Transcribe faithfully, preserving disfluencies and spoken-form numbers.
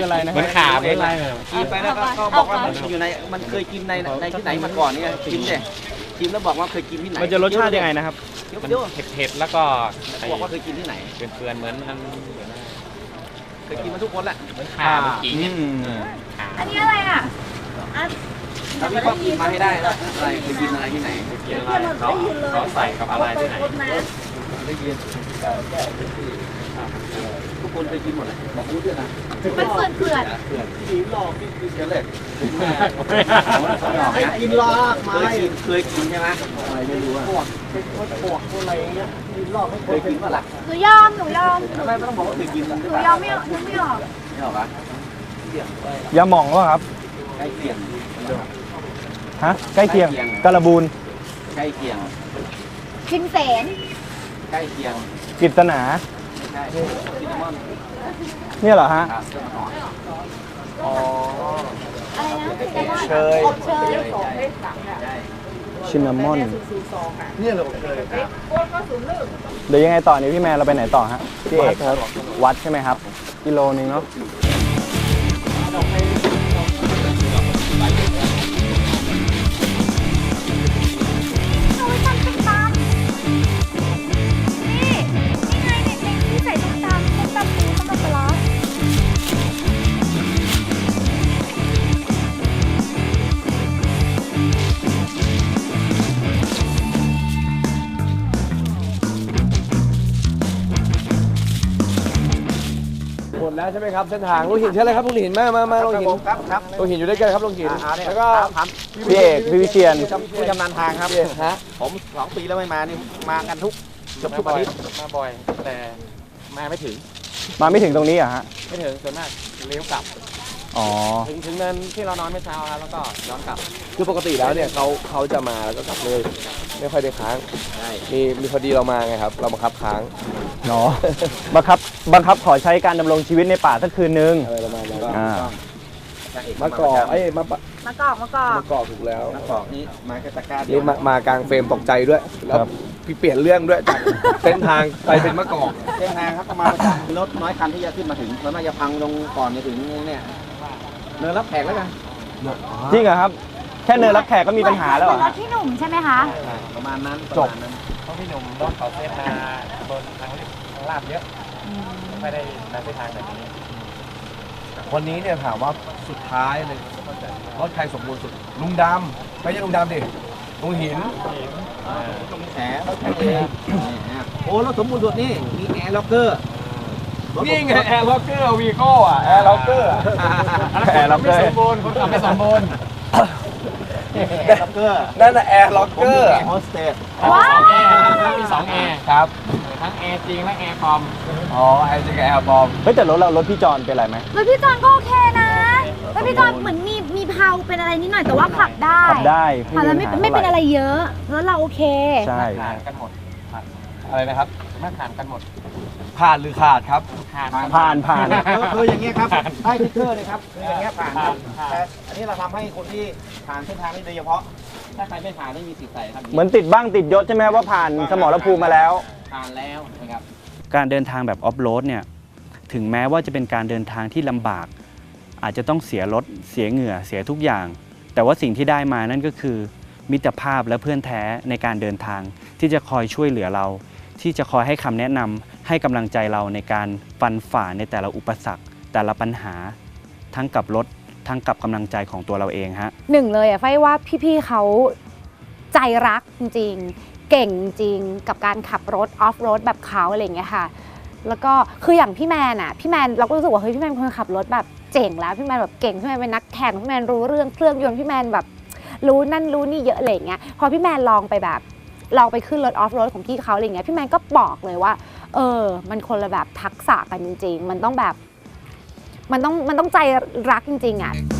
อะไรนะเหมือนขาเหมือนอะไรกินไปแล้วก็บอกว่ามันอยู่ในมันเคยกินในในที่ไหนมาก่อนเนี่ยชิมเนี่ยชิมแล้วบอกว่าเคยกินที่ไหนมันจะรสชาติยังไงนะครับมันเผ็ดๆแล้วก็บอกว่าเคยกินที่ไหนเปื่อนๆเหมือนมันเคยกินมาทุกคนแหละเหมือนขาเหมือนขิงเนี่ยขาอันนี้อะไรอ่ะถ้าพี่ต้องกินมาให้ได้นะอะไรเคยกินอะไรที่ไหนกินอะไรเขาเขาใส่กับอะไรที่ไหนได้ยินทุกคนเคยกินหมดเลยบอกรู้ด้วยนะมันเปื่อนเปื่อนเพื่อนกินหลอกกินกินกันเลยกินลากไม้เคยกินเคยกินใช่ไหมอะไรไม่รู้อะปวกเป็นคนปวกคนอะไรเงี้ยกินลอกไม่เคยกินป่ะล่ะหนูยอม หนูยอมทำไมไม่ต้องบอกว่าเคยกินล่ะหนูยอมไม่ออกไม่ออกไม่หรอกะยาหม่องวะครับใกล้เคียงฮะ ใกล้เคียงกระบูนใกล้เคียงชิงแสนใกล้เคียงกิตนาใช่ซินนามอนเนี่ยเหรอฮะครับอ๋ออะไรนะเชยอบเชยใช่ชินนามอนเนี่ยเราเคยเดี๋ยวยังไงต่อเนี่ยพี่แมนเราไปไหนต่อฮะพี่เอกวัดใช่ไหมครับ กิโลนึงเนาะโอ้ยตำส้มตำนี่ นี่ไงเด็กๆที่ใส่ส้มตำส้มตำปูส้มตำปลาร้าหมดแล้วใช่ไหมครับเส้นทางลุงหินใช่ไหมครับลุงหินมามามาลุงหินครับครับลุงหินอยู่ด้วยกันครับลุงหินอ่าเนี่ยแล้วก็ครับพี่เอกพี่วิเชียนผู้ชำนาญทางครับฮะผมสองปีแล้วไม่มานี่มากันทุกเกือบทุกอาทิตย์มาบ่อย แต่มาไม่ถึงมาไม่ถึงตรงนี้เหรอะฮะไม่ถึงส่วนมากเลี้ยวกลับอ๋อถึงถึงเนินที่เรานอนเมื่อเช้าแล้วก็ย้อนกลับคือปกติแล้วเนี่ยเขาเขาจะมาแล้วก็กลับเลย ไม่ค่อยได้ค้างใช่มีมีพอดีเรามาไงครับ เราบังคับค้างเนาะ บังคับ บังคับขอใช้การดำรงชีวิตในป่าสักคืนนึงอะไรประมาณนั้นอ่ามะกอกไอ้ยมะปะมากอกมากอกมะกอกถูกแล้วนักบอกนี่มาแค่ตะกร้าเดียนี่วมามากลางเฟรมตกใจด้วยแล้วครับพี่เปลี่ยนเรื่องด้วยจากเส้นทางไปเป็นมะกอกเส้นทางครับประมาณรถน้อยคันที่จะขึ้นมาถึงแล้วน่าจะพังลงก่อนจะถึงเนี่ยเนินรับแขกแล้วกันจริงเหรอครับ แค่เนินรับแขกก็มีปัญหาแล้วเหรอเหมือนรฮะถพี่หนุ่มใช่ไหมคะประมาณนั้นจบประมาณนั้นเพราะพี่หนุ่มรถเขาเส้นมาบนทางทางลาดเยอะไม่ได้มาเส้นทางแบบนี้วันนี้เนี่ยถามว่าสุดท้ายเลยรถใครสมบูรณ์สุดลุงดำไม่ใช่ลุงดำดิลุงหินแหมรถแขกเองโอ้รถสมบูรณ์สุดนี่มีแอร์ล็อกเกอร์นี่ไงแอร์ล็อกเกอร์วีโก้อะแอร์ล็อกเกอร์แอร์ล็อกเกอร์ไม่สมบูรณ์คนขับไม่สมบูรณ์แอร์ล็อกเกอร์นั่นน่ะแอร์ล็อกผมเกอมีร์แอร์โฮสเตสว้าวมีสองแอร์ครับทั้งแอร์จริงและแอร์ปลอมอ๋อแอร์จริงกับแอร์บอมเฮ้ยแต่รถเรารถพี่จอนเป็นไรไหมรถพี่จอนก็โอเคนะรถพี่จอนเหมือนมีมีเพาเป็นอะไรนิดหน่อยแต่ว่าขับได้ขับได้ขับแล้วไม่ปัญหาไม่เป็นท่าหอะไรเยอะรถเราโอเคใช่ผ่านกันหมดอะไรนะครับมาผ่านกันหมดผ่านหรือขาดครับผ่านผ่านผ่านคืออย่างเงี้ยครับให้ทิกเกอร์เลยครับคืออย่างเงี้ยผ่านครับแต่อันนี้เราทำให้คนที่ผ่านเส้นทางนี้โดยเฉพาะ ถ้าใครไม่ผ่านไม่มีสิทธิ์ใส่ครับเหมือนติดบ้างติดยศใช่ไหมว่าผ่านสมรภูมิมาแล้วผ่านแล้วนะครับการเดินทางแบบออฟโรดเนี่ยถึงแม้ว่าจะเป็นการเดินทางที่ลำบาก อาจจะต้องเสียรถเสียเหงื่อเสียทุกอย่าง แต่ว่าสิ่งที่ได้มานั่นก็คือ มิตรภาพและเพื่อนแท้ในการเดินทาง ที่จะคอยช่วยเหลือเรา ที่จะคอยให้คำแนะนำให้กำลังใจเราในการฟันฝ่าในแต่ละอุปสรรค แต่ละปัญหา ทั้งกับรถทั้งกับกำลังใจของตัวเราเองฮะหนึ่งเลยอะไฟว่าพี่ๆเขาใจรักจริงๆเก่งจริงกับการขับรถออฟโรดแบบเขาอะไรอย่างเงี้ยค่ะแล้วก็คืออย่างพี่แมนอะพี่แมนเราก็รู้สึกว่าเฮ้ยพี่แมนเป็นคนขับรถแบบเจ๋งแล้วพี่แมนแบบเก่งพี่แมนเป็นนักแข่งพี่แมนรู้เรื่องเครื่องยนต์พี่แมนแบบรู้นั่นรู้นี่เยอะอะไรอย่างเงี้ยพอพี่แมนลองไปแบบลองไปขึ้นรถออฟโรดของพี่เขาอะไรอย่างเงี้ยพี่แมนก็บอกเลยว่าเออมันคนละแบบทักษะกันจริงๆมันต้องแบบมันต้องมันต้องใจรักจริงๆอะ